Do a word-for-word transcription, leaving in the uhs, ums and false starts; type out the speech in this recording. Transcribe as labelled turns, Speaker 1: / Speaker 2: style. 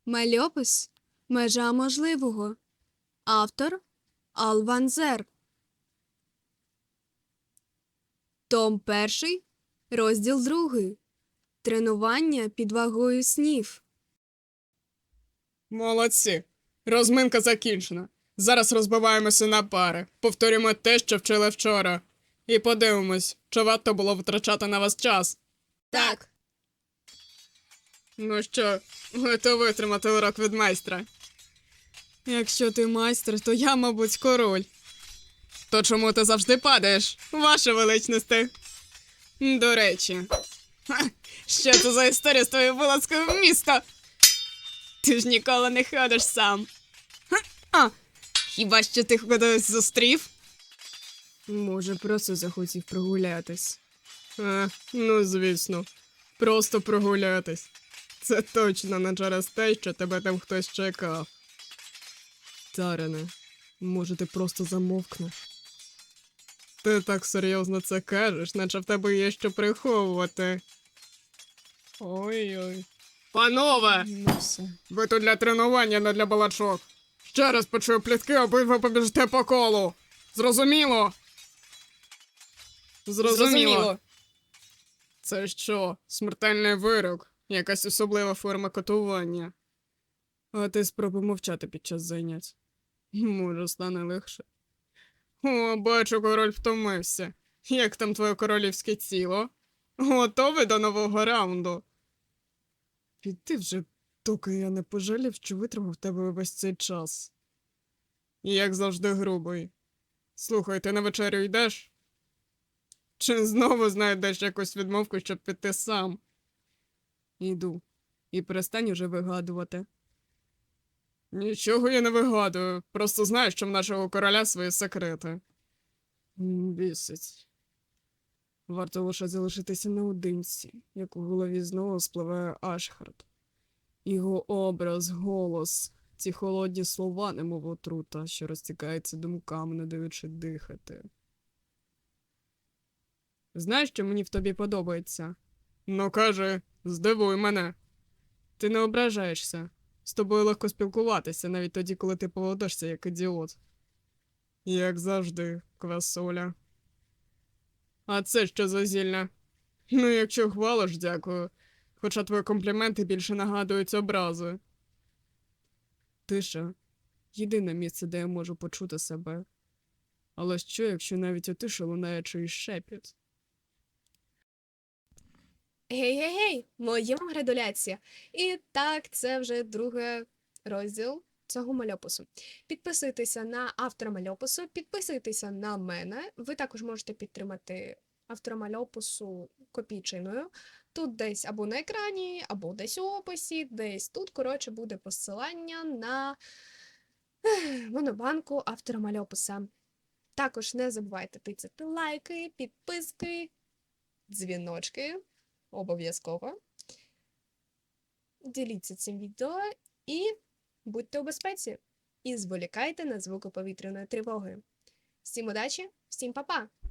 Speaker 1: Мальопис «Межа можливого». Автор Ал Ван-Зер. Том перший, розділ другий. Тренування під вагою снів.
Speaker 2: Молодці. Розминка закінчена. Зараз розбиваємося на пари. Повторюємо те, що вчили вчора. І подивимось, чи варто було витрачати на вас час.
Speaker 1: Так.
Speaker 2: Ну що, готові витримати урок від майстра? Якщо ти майстер, то я, мабуть, король. То чому ти завжди падаєш, ваша величності? До речі, ха, що це за історія з твоєю вилазкою в місто? Ти ж ніколи не ходиш сам. Ха, а, хіба що ти кудись зустрів? Може, просто захотів прогулятись. А, ну, звісно, просто прогулятись. Це точно не через те, що тебе там хтось чекав. Тарене, може, ти просто замовкнеш? Ти так серйозно це кажеш, наче в тебе є що приховувати. Ой-ой. Панове!
Speaker 1: Ну все.
Speaker 2: Ви тут для тренування, не для балачок. Ще раз почую плітки, обидва побіжте по колу. Зрозуміло? Зрозуміло.
Speaker 1: Зрозуміло.
Speaker 2: Це що, смертельний вирок? Якась особлива форма катування? А ти спробуй мовчати під час занять. Може, стане легше. О, бачу, король втомився. Як там твоє королівське тіло? Готовий до нового раунду? Піди вже, доки я не пожалів, що витримав тебе весь цей час. Як завжди грубий. Слухай, ти на вечерю йдеш? Чи знову знайдеш якусь відмовку, щоб піти сам? Іду. І перестань уже вигадувати. Нічого я не вигадую. Просто знаю, що в нашого короля свої секрети. М, Бісить. Варто лише залишитися наодинці, як у голові знову спливає Ашхард. Його образ, голос, ці холодні слова, немов отрута, що розтікається думками, не даючи дихати. Знаєш, що мені в тобі подобається? Ну, кажи, здивуй мене. Ти не ображаєшся. З тобою легко спілкуватися, навіть тоді, коли ти поводишся як ідіот. Як завжди, квасоля. А це що за зілля? Ну, якщо хвалиш, дякую. Хоча твої компліменти більше нагадують образи. Тиша – єдине місце, де я можу почути себе. Але що, якщо навіть у тиші лунає чийсь шепіт?
Speaker 1: Гей-гей-гей, моя градуляція. І так, це вже другий розділ цього мальопису. Підписуйтеся на автора мальопису, підписуйтеся на мене. Ви також можете підтримати автора мальопису копійчиною. Тут десь або на екрані, або десь у описі, десь тут, коротше, буде посилання на ех, монобанку автора мальописа. Також не забувайте тицяти лайки, підписки, дзвіночки. Обов'язково. Діліться цим відео і будьте у безпеці. І зволікайте на звуки повітряної тривоги. Всім удачі, всім па-па!